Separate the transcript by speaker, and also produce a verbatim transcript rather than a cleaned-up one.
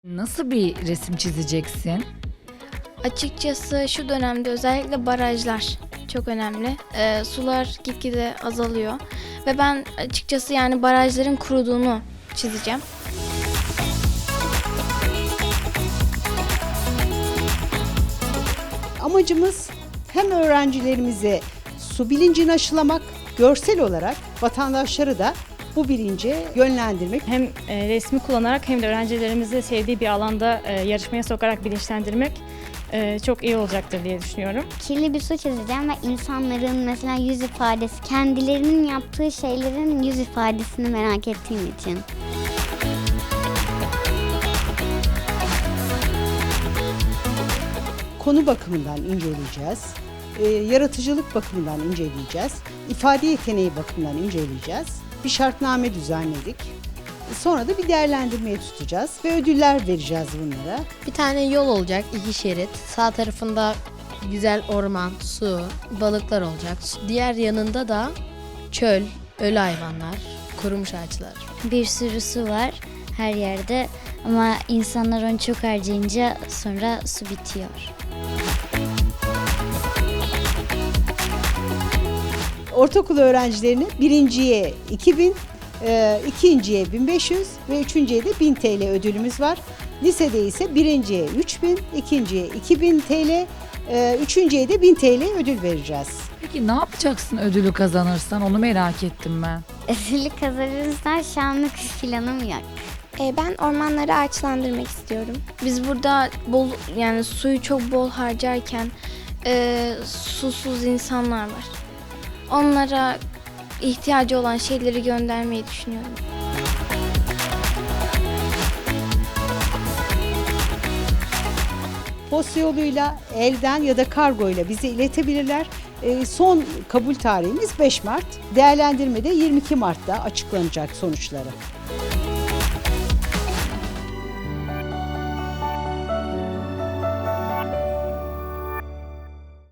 Speaker 1: Nasıl bir resim çizeceksin?
Speaker 2: Açıkçası şu dönemde özellikle barajlar çok önemli. Ee, sular gitgide azalıyor ve ben açıkçası yani barajların kuruduğunu çizeceğim.
Speaker 3: Amacımız hem öğrencilerimize su bilincini aşılamak, görsel olarak vatandaşları da bu bilince yönlendirmek.
Speaker 4: Hem e, resmi kullanarak hem de öğrencilerimizi sevdiği bir alanda e, yarışmaya sokarak bilinçlendirmek e, çok iyi olacaktır diye düşünüyorum.
Speaker 5: Kirli bir su çizeceğim ve insanların mesela yüz ifadesi, kendilerinin yaptığı şeylerin yüz ifadesini merak ettiğim için.
Speaker 3: Konu bakımından inceleyeceğiz, e, yaratıcılık bakımından inceleyeceğiz, ifade yeteneği bakımından inceleyeceğiz. Bir şartname düzenledik. Sonra da bir değerlendirmeye tutacağız ve ödüller vereceğiz bunlara.
Speaker 6: Bir tane yol olacak, iki şerit. Sağ tarafında güzel orman, su, balıklar olacak. Diğer yanında da çöl, ölü hayvanlar, kurumuş ağaçlar.
Speaker 5: Bir sürü su var her yerde ama insanlar onu çok harcayınca sonra su bitiyor.
Speaker 3: Ortaokul öğrencilerine birinciye iki bin, e, ikinciye bin beş yüz ve üçüncüye de bin T L ödülümüz var. Lisede ise birinciye üç bin, ikinciye iki bin T L, e, üçüncüye de bin T L ödül vereceğiz.
Speaker 1: Peki ne yapacaksın ödülü kazanırsan, onu merak ettim ben.
Speaker 5: Ödülü kazanırsan şanlık planım yok.
Speaker 2: Ee, ben ormanları ağaçlandırmak istiyorum. Biz burada bol yani suyu çok bol harcarken e, susuz insanlar var. Onlara ihtiyacı olan şeyleri göndermeyi düşünüyorum.
Speaker 3: Posta yoluyla, elden ya da kargoyla bize iletebilirler. E, son kabul tarihimiz beş Mart. Değerlendirmede yirmi iki Mart'ta açıklanacak sonuçları.